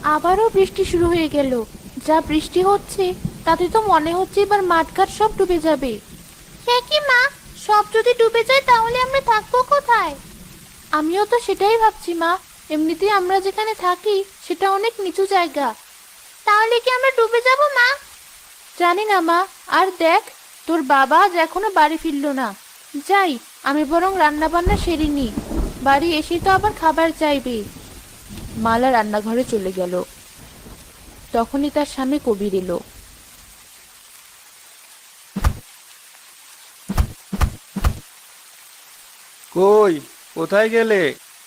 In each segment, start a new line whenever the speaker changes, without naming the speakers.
আবারও বৃষ্টি শুরু হয়ে গেল। যা বৃষ্টি হচ্ছে তাতে তো মনে হচ্ছে এবার মাঠঘাট সব ডুবে যাবে। সে কি মা, সব যদি ডুবে যায় তাহলে আমরা থাকবো কোথায়? আমিও তো সেটাই ভাবছি মা। এমনিতেই আমরা যেখানে থাকি সেটা অনেক নিচু জায়গা। তাহলে কি আমরা ডুবে যাব মা? জানি না মা। আর দেখ, তোর বাবা আজ এখনো বাড়ি ফিরলো না। যাই, আমি বরং রান্না বান্না সেরে নি। বাড়ি এসে তো আবার খাবার চাইবে। মালা রান্নাঘরে চলে গেল। তখনই তার সামনে কবির এলো।
কই, কোথায় গেলে?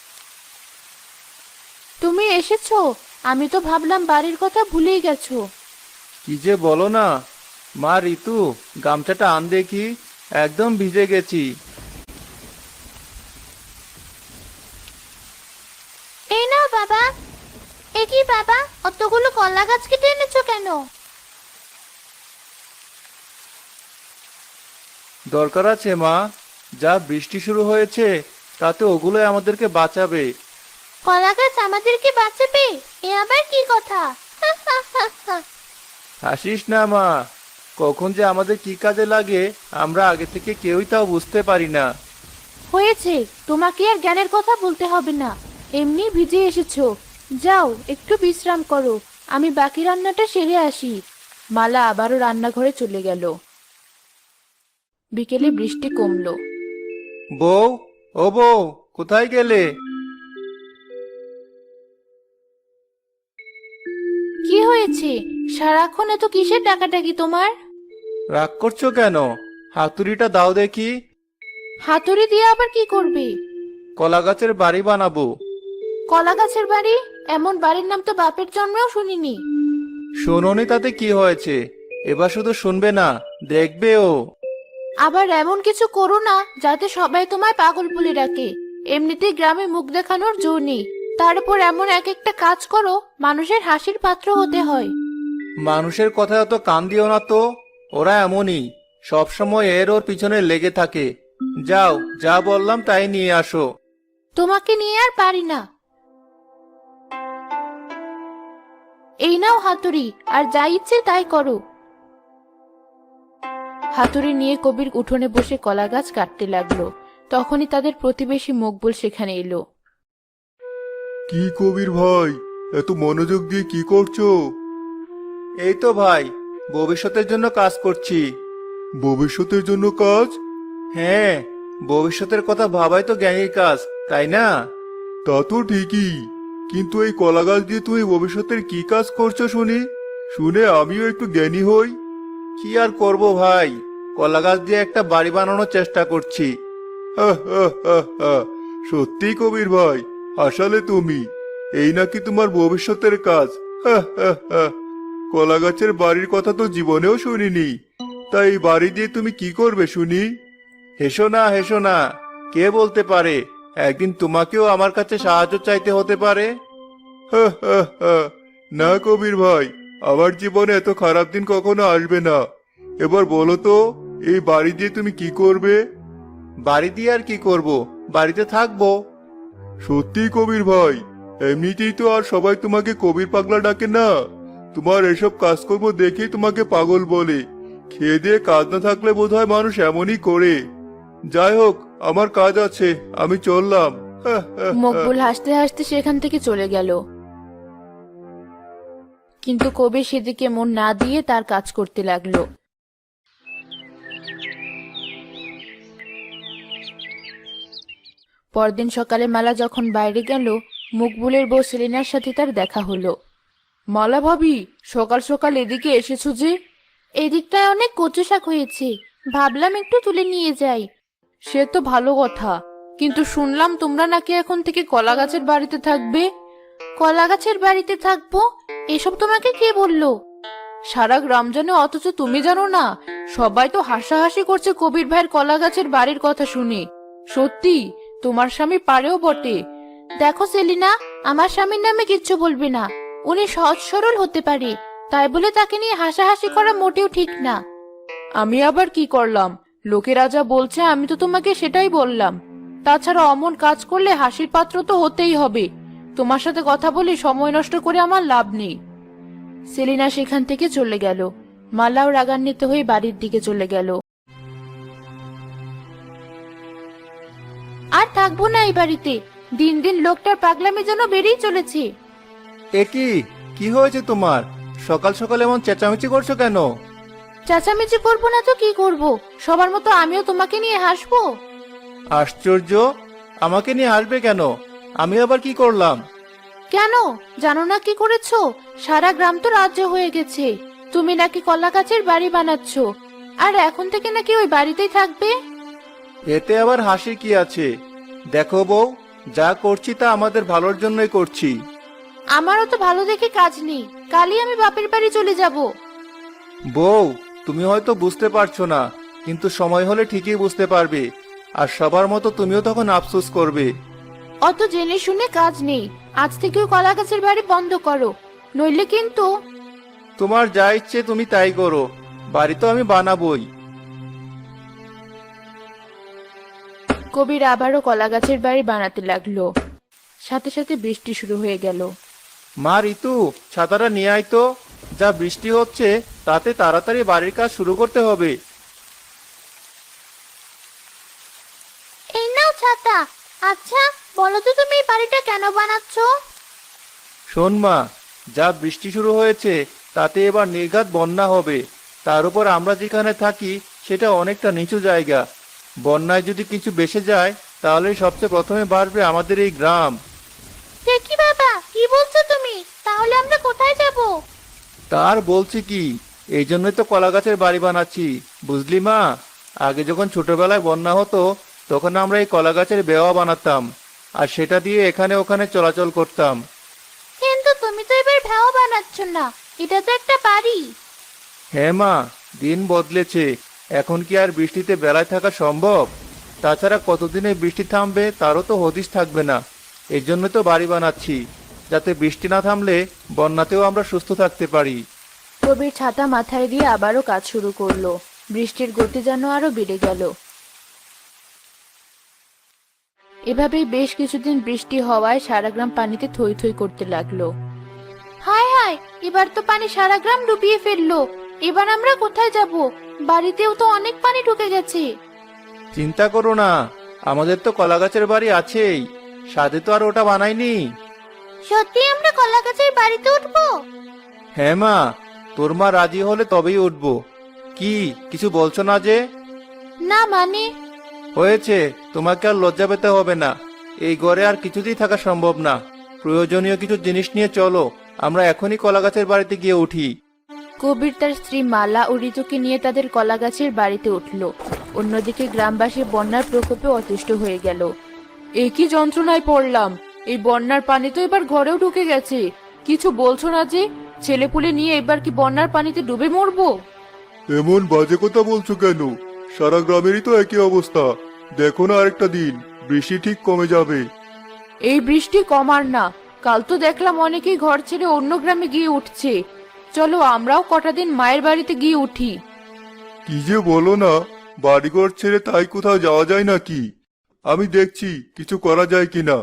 তুমি এসেছো? আমি তো ভাবলাম বাড়ির কথা ভুলেই গেছো।
কি যে বলো না। মা ঋতু, গামছাটা আন দেখি, একদম ভিজে গেছি।
এই নাও বাবা। এ কি বাবা, অতগুলো কলা গাছ কেটে এনেছো কেন?
দরকার আছে মা, যা বৃষ্টি শুরু হয়েছে তাতে ওগুলোই আমাদেরকে বাঁচাবে।
কলা গাছ আমাদেরকে বাঁচাবে? এ আবার কি কথা?
হাসিস না মা, কখন যে আমাদের কি কাজে লাগে আমরা আগে থেকে কেউই তাও বুঝতে পারি না।
হয়েছে, তোমাকে আর জ্ঞানের কথা বলতে হবে না। এমনি ভিজে এসেছো। যাও একটু বিশ্রাম করো, আমি বাকি রান্নাটা সেরে আসি। মালা আবারও রান্নাঘরে চলে গেল। বিকেলে বৃষ্টি কমলো।
বউ, ও বউ, কোথায় গেলে?
কি হয়েছে? সারাক্ষণ এত কিসের ডাকাডাকি তোমার?
রাগ করছো কেন? হাতুড়িটা দাও দেখি।
হাতুড়ি দিয়ে আবার কি করবে?
কলা গাছের বাড়ি বানাবো।
কলা গাছের বাড়ি? এমন বাড়ির নাম তো বাপের জন্মেও শুনিনি।
শোনোনি তাতে কি হয়েছে? এবার শুধু শুনবে না, দেখবেও।
আবার এমন কিছু করো না যাতে সবাই তোমায় পাগল বলে ডাকে। এমনিতেই গ্রামে মুখ দেখানোর জো নেই, তার উপর এমন এক একটা কাজ করো মানুষের হাসির পাত্র হতে হয়।
মানুষের কথায় অত কান দিও না তো। ওরা এমনই, সব সময় এর ওর পিছনে লেগে থাকে। যাও, যা বললাম তাই নিয়ে আসো।
তোমাকে নিয়ে আর পারি না। এই নাও হাতুড়ি, আর যা ইচ্ছে তাই করো। হাতুড়ি নিয়ে কবির উঠোনে বসে কলা গাছ কাটতে লাগলো। তখনই তাদের প্রতিবেশী মকবুল সেখানে এলো।
কি কবির ভাই, এত মনোযোগ দিয়ে কি করছো?
এই তো ভাই, ভবিষ্যতের জন্য কাজ করছি।
ভবিষ্যতের জন্য কাজ?
হ্যাঁ, ভবিষ্যতের কথা ভাবাই তো জ্ঞানীর কাজ, তাই না?
তা তো ঠিকই, কিন্তু এই কলা গাছ দিয়ে তুমি ভবিষ্যতের কি কাজ করছো শুনি, শুনে আমিও একটু জ্ঞানী হই।
কি আর করব ভাই, কলা গাছ দিয়ে একটা বাড়ি বানানোর চেষ্টা করছি।
হা, হা, হা, হা। সত্যি কবির ভাই, আসলে তুমি এই নাকি তোমার ভবিষ্যতের কাজ? হা, হা, হা। কলা গাছের বাড়ির কথা তো জীবনেও শুনিনি। তাই এই বাড়ি দিয়ে তুমি কি করবে শুনি?
হেসো না, হেসো না। কে বলতে পারে একদিন তোমাকেও আমার কাছে সাহায্য চাইতে হতে পারে।
হা, হা, হা। না কবির ভাই, আমার জীবনে এত খারাপ দিন কখনো আসবে না। এবার বলো তো, এই বাড়ি দিয়ে তুমি কি করবে?
বাড়ি দিয়ে আর কি করব, বাড়িতে থাকবো।
সত্যি কবির ভাই, এমনিতেই তো আর সবাই তোমাকে কবির পাগলা ডাকে না। তোমার এসব কাজকর্ম দেখেই তোমাকে পাগল বলে। খেয়ে দিয়ে কাজ না থাকলে বোধহয় মানুষ এমনই করে। যাই হোক, আমার কাজ আছে, আমি চললাম। হা, হা, হা।
মকবুল হাসতে হাসতে সেখান থেকে চলে গেল। কিন্তু কবির সেদিকে মন না দিয়ে তার কাজ করতে লাগলো। পরদিন সকালে মালা যখন বাইরে গেল, মকবুলের বউ সেলিনার সাথে তার দেখা হলো। মালা ভাবি, সকাল সকাল এদিকে এসেছো যে? এদিকটায় অনেক কচু শাক হয়েছে, ভাবলাম একটু তুলে নিয়ে যাই। সে তো ভালো কথা, কিন্তু শুনলাম তোমরা নাকি এখন থেকে কলা গাছের বাড়িতে থাকবে। কলা গাছের বাড়িতে থাকবো? এসব তোমাকে কে বললো? সারা গ্রাম জানে অথচ তুমি জানো না? সবাই তো হাসাহাসি করছে কবির ভাইয়ের কলা গাছের বাড়ির কথা শুনে। সত্যি, তোমার স্বামী পারেও বটে। দেখো সেলিনা, আমার স্বামীর নামে কিচ্ছু বলবে না। উনি সহজ সরল হতে পারে, তাই বলে তাকে নিয়ে হাসাহাসি করা মোটেও ঠিক না। আমি আবার কি করলাম? লোকেরা যা বলছে আমি তো তোমাকে সেটাই বললাম। তাছাড়া অমন কাজ করলে হাসির পাত্র তো হতেই হবে। তোমার সাথে কথা বলে সময় নষ্ট করে আমার লাভ নেই। সেলিনা সেখান থেকে চলে গেল। মালাও রাগান্বিত হয়ে বাড়ির দিকে চলে গেল। আর থাকবো না এই বাড়িতে। দিন দিন লোকটার পাগলামি যেন বেড়েই চলেছে।
এ কি কি হয়েছে তোমার? সকাল সকাল এমন চেঁচামেচি করছো কেন?
চেঁচামেচি করবো না তো কি করব? সবার মতো আমিও তোমাকে নিয়ে হাসবো?
আশ্চর্য, আমাকে নিয়ে আসবে কেন? আমি আবার কি করলাম?
কেন জানো না কি করেছো? সারা গ্রাম তো রাজ্য হয়ে গেছে। তুমি নাকি কলা গাছের বাড়ি বানাচ্ছ, আর এখন থেকে নাকি ওই বাড়িতেই থাকবে।
এতে আবার হাসি কি আছে? দেখো বউ, যা করছি তা আমাদের ভালোর জন্যই করছি।
আমারও তো ভালো দেখে কাজ নেই, কালই আমি বাপের বাড়ি চলে যাব।
বউ, তুমি হয়তো বুঝতে পারছো না, কিন্তু সময় হলে ঠিকই বুঝতে পারবে। আর সবার মতো তুমিও তখন আফসোস করবে।
অত জেনে শুনে কাজ নেই। আজ থেকে ওই কলা গাছের বাড়ি বন্ধ করো, নইলে কিন্তু।
তোমার যা ইচ্ছে তুমি তাই করো, বাড়ি তো আমি বানাবোই।
কবির আবারও কলা গাছের বাড়ি বানাতে লাগলো। সাথে সাথে বৃষ্টি শুরু হয়ে গেল।
মা ঋতু, ছাতাটা নিয়ে আয় তো। যা বৃষ্টি হচ্ছে তাতে তাড়াতাড়ি বাড়ির কাজ শুরু করতে হবে।
এই নাও ছাতা। আচ্ছা বলো তো, তুমি এই বাড়িটা কেন বানাচ্ছ?
শোন মা, যা বৃষ্টি শুরু হয়েছে তাতে এবার নির্ঘাত বন্যা হবে। তার উপর আমরা যেখানে থাকি সেটা অনেকটা নিচু জায়গা। বন্যায় যদি কিছু ভেসে যায় তাহলে সবচেয়ে প্রথমে বাড়বে আমাদের এই গ্রাম।
কি বাবা, কি বলছো তুমি? তাহলে আমরা কোথায় যাব?
তার বলছি কি, এই জন্যই তো কলা গাছের বাড়ি বানাচ্ছি, বুঝলি মা। আগে যখন ছোটবেলায় বন্যা হতো তখন আমরা এই কলা গাছের বেওয়া বানাতাম, আর সেটা দিয়ে এখানে ওখানে চলাচল করতাম।
কিন্তু তুমি তো এবার ভেড়া বানাচ্ছ না, এটা তো একটা বাড়ি।
হ্যাঁ মা, দিন বদলেছে। এখন কি আর বৃষ্টিতে বেলায় থাকা সম্ভব? তাছাড়া কতদিনে বৃষ্টি থামবে তারও তো হদিশ থাকবে না। এই জন্য তো বাড়ি বানাচ্ছি, যাতে বৃষ্টি না থামলে বন্যাতেও আমরা সুস্থ থাকতে পারি।
কবির ছাতা মাথায় দিয়ে আবারও কাজ শুরু করলো। বৃষ্টির গতি যেন আরো বেড়ে গেল। এভাবেই বেশ কিছুদিন বৃষ্টি হওয়ায় সারা গ্রাম পানিতে থই থই করতে লাগলো। হায় হায়, এবার তো পানি সারা গ্রাম ডুবিয়ে ফেললো। এবার আমরা কোথায় যাব? বাড়িতেও তো অনেক পানি ঢুকে গেছে।
চিন্তা করো না, আমাদের তো কলা গাছের বাড়ি আছেই। সাধে তো আর ওটা বানাইনি।
সত্যি আমরা কলা গাছের বাড়িতে উঠবো?
হ্যাঁ মা, তোর মা রাজি হলে তবেই উঠবো। কি কিছু বলছো না যে?
না মানে?
হয়েছে, তোমাকে আর লজ্জা পেতে হবে না। এই ঘরে আর কিছুতেই থাকা সম্ভব না। প্রয়োজনীয় কিছু জিনিস নিয়ে চলো, আমরা এখনই কলা গাছের বাড়িতে গিয়ে উঠি।
কবির তার স্ত্রী মালা ও ঋতুকে নিয়ে তাদের কলা গাছের বাড়িতে উঠল। অন্যদিকে গ্রামবাসী বন্যার প্রকোপে অতিষ্ঠ হয়ে গেল। একই যন্ত্রণায় পড়লাম, এই বন্যার পানি তো এবার ঘরেও ঢুকে গেছে। কিছু বলছো না যে? ছেলেপুলে নিয়ে এবার কি বন্যার পানিতে ডুবে মরবো?
এমন বাজে কথা বলছো কেন? সারা গ্রামেরই তো একই অবস্থা। দেখো না, আরেকটা দিন বৃষ্টি ঠিক কমে যাবে।
এই বৃষ্টি কমার না। কাল তো দেখলাম অনেকেই ঘর ছেড়ে অন্য গ্রামে গিয়ে উঠছে। চলো আমরাও কটা দিন মায়ের বাড়িতে গিয়ে উঠি।
কি যে বলো না, বাড়িঘর ছেড়ে তাই কোথাও যাওয়া যায় নাকি? আমি দেখছি কিছু করা যায় কিনা।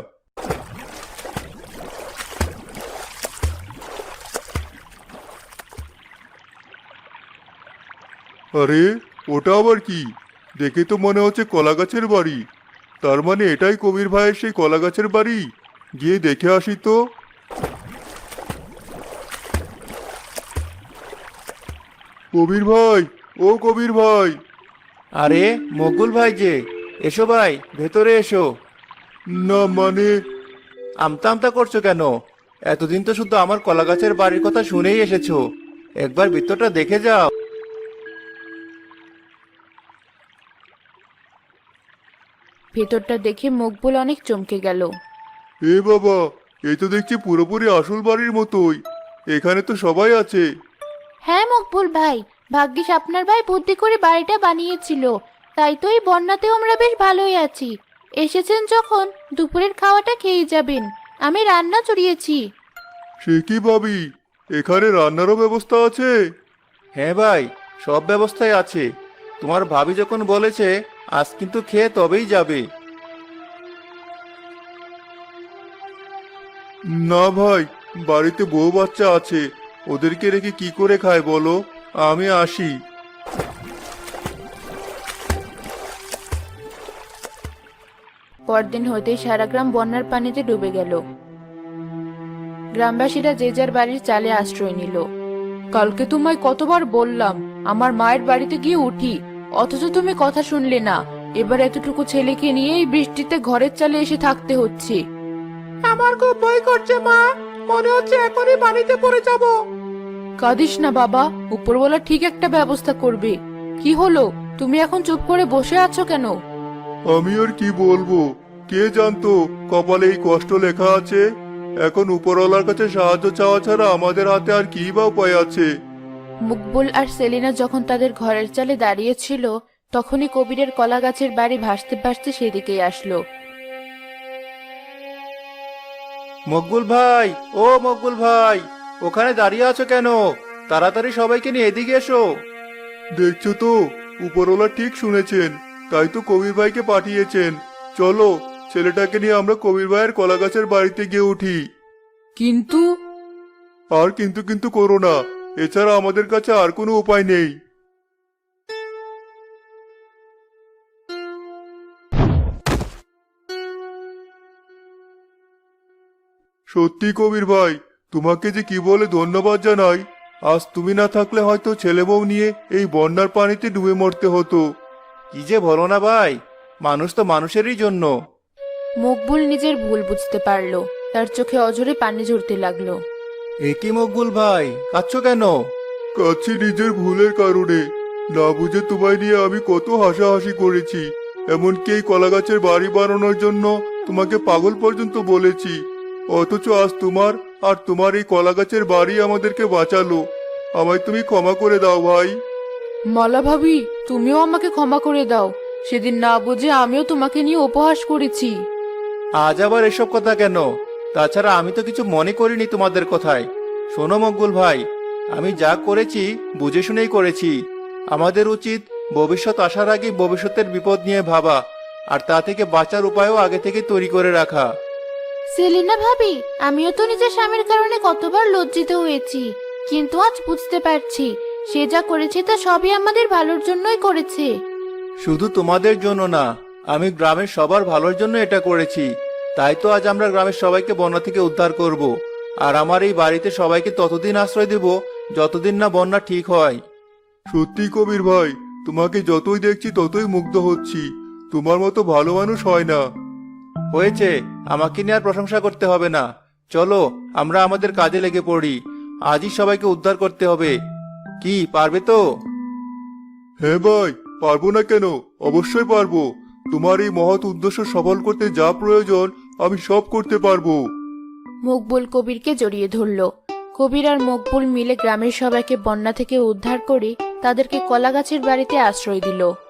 আরে, ওটা আবার কি? দেখে তো মনে হচ্ছে কলা গাছের বাড়ি। তার মানে এটাই কবির ভাইয়ের সেই কলা গাছের বাড়ি। গিয়ে দেখে আসি তো। কবির ভাই, ও কবির ভাই!
আরে মকবুল ভাই যে, এসো ভাই, ভেতরে এসো।
না মানে,
আমতা আমতা করছো কেন? এতদিন তো শুধু আমার কলা গাছের বাড়ির কথা শুনেই এসেছো। একবার ভিতরটা দেখে যাও।
ভেতরটা দেখে মকবুল অনেক চমকে গেল।
এ বাবা, এই তো দেখছি পুরোপুরি আসল বাড়ির মতোই। এখানে তো সবাই আছে।
হ্যাঁ মকবুল ভাই, ভাগ্যিস আপনার ভাই বুদ্ধি করে বাড়িটা বানিয়েছিল। তাই তো এই বন্যাতেও আমরা বেশ ভালোই আছি। এসেছেন যখন দুপুরের খাওয়াটা খেয়ে যাবেন। আমি রান্না চড়িয়েছি।
সে কি ভাবি, এখানে রান্নারও ব্যবস্থা আছে?
হ্যাঁ ভাই, সব ব্যবস্থাই আছে। তোমার ভাবি যখন বলেছে আজ কিন্তু খেয়ে তবেই যাবে।
না ভাই, বাড়িতে বউ বাচ্চা আছে, ওদেরকে রেখে কি করে খায় বলো? আমি আসি।
পরদিন হইতেই সারা গ্রাম বন্যার পানিতে ডুবে গেল। গ্রামবাসীরা যে যার বাড়ির চালে আশ্রয় নিল। কালকে তোমায় কতবার বললাম আমার মায়ের বাড়িতে গিয়ে উঠি, অথচ তুমি কথা শুনলে না। এবার এতটুকু ছেলেকে নিয়ে এই বৃষ্টিতে ঘরের চালে এসে থাকতে হচ্ছে। আমার খুব ভয় করছে মা, মনে হচ্ছে এখনই পানিতে পড়ে যাব। কাঁদিস না বাবা, উপরওয়ালা ঠিক একটা ব্যবস্থা করবে। কি হলো, তুমি এখন চুপ করে বসে আছো কেন?
আমি আর কি বলবো, কে জানতো কপালে এই কষ্ট লেখা আছে। এখন উপরওয়ালার কাছে সাহায্য চাওয়া ছাড়া আমাদের হাতে আর কি বা উপায় আছে।
মকবুল আর সেলিনা যখন তাদের ঘরের চালে দাঁড়িয়েছিল, তখনই কবিরের কলা গাছের বাড়ি ভাসতে ভাসতে সেদিকেই আসলো।
মকবুল ভাই, ও মকবুল ভাই, ওখানে দাঁড়িয়ে আছো কেন? তাড়াতাড়ি সবাইকে নিয়ে এদিকে এসো।
দেখছো তো, উপরওয়ালা ঠিক শুনেছেন, তাই তো কবির ভাইকে পাঠিয়েছেন। চলো, ছেলেটাকে নিয়ে আমরা কবির ভাইয়ের কলা গাছের বাড়িতে গিয়ে উঠি।
কিন্তু
আর কিন্তু কিন্তু করো না, এছাড়া আমাদের কাছে আর কোনো উপায় নেই। সত্যি কবির ভাই, তোমাকে যে কি বলে ধন্যবাদ জানাই। আজ তুমি না থাকলে হয়তো ছেলে বউ নিয়ে এই বন্যার পানিতে ডুবে মরতে হতো।
কি যে বলো না ভাই, মানুষ তো মানুষেরই জন্য।
মকবুল নিজের ভুল বুঝতে পারলো, তার চোখে অঝরে পানি ঝরতে লাগলো।
এ কি মকবুল ভাই, কাঁদছো কেন?
কাছে নিজের ভুলের কারণে। না বুঝে তোমায় নিয়ে আমি কত হাসাহাসি করেছি, এমনকি এই কলা গাছের বাড়ি বানানোর জন্য তোমাকে পাগল পর্যন্ত বলেছি। অথচ আজ তোমার আর তোমার এই কলা গাছের বাড়ি আমাদেরকে বাঁচালো। আমায় তুমি ক্ষমা করে দাও ভাই।
মালা ভাবি, তুমিও আমাকে ক্ষমা করে দাও। সেদিন না বুঝে আমিও তোমাকে নিয়ে উপহাস করেছি।
আজ আবার এসব কথা কেন? তাছাড়া আমি তো কিছু মনে করিনি তোমাদের কথায়। শোনো মকবুল ভাই, আমি যা করেছি বুঝে শুনেই করেছি। আমাদের উচিত ভবিষ্যৎ আসার আগে ভবিষ্যতের বিপদ নিয়ে ভাবা, আর তা থেকে বাঁচার উপায়ও আগে থেকে তৈরি করে রাখা।
সেলিনা ভাবি, আমিও তো নিজের স্বামীর কারণে কতবার লজ্জিত হয়েছি, কিন্তু আজ বুঝতে পারছি সে যা করেছে তা সবই আমাদের ভালোর জন্যই করেছে।
শুধু তোমাদের জন্য না, আমি গ্রামের সবার ভালোর জন্য এটা করেছি। তাই তো আজ আমরা গ্রামের সবাইকে বন্যা থেকে উদ্ধার করব, আর আমার এই বাড়িতে সবাইকে ততদিন আশ্রয় দেব যতদিন না বন্যা ঠিক হয়।
সত্যি কবির ভাই, তোমাকে যতই দেখছি ততই মুগ্ধ হচ্ছি। তোমার মতো ভালো মানুষ হয় না।
হয়েছে, আমাকে নিয়ে আর প্রশংসা করতে হবে না। চলো, আমরা আমাদের কাজে লেগে পড়ি। আজই সবাইকে উদ্ধার করতে হবে। কি পারবে তো?
হ্যাঁ ভাই, পারবো না কেন, অবশ্যই পারবো। তোমার এই মহৎ উদ্দেশ্য সফল করতে যা প্রয়োজন আমি সব করতে পারবো।
মকবুল কবিরকে জড়িয়ে ধরল। কবির আর মকবুল মিলে গ্রামের সবাইকে বন্যা থেকে উদ্ধার করে তাদেরকে কলা গাছের বাড়িতে আশ্রয় দিল।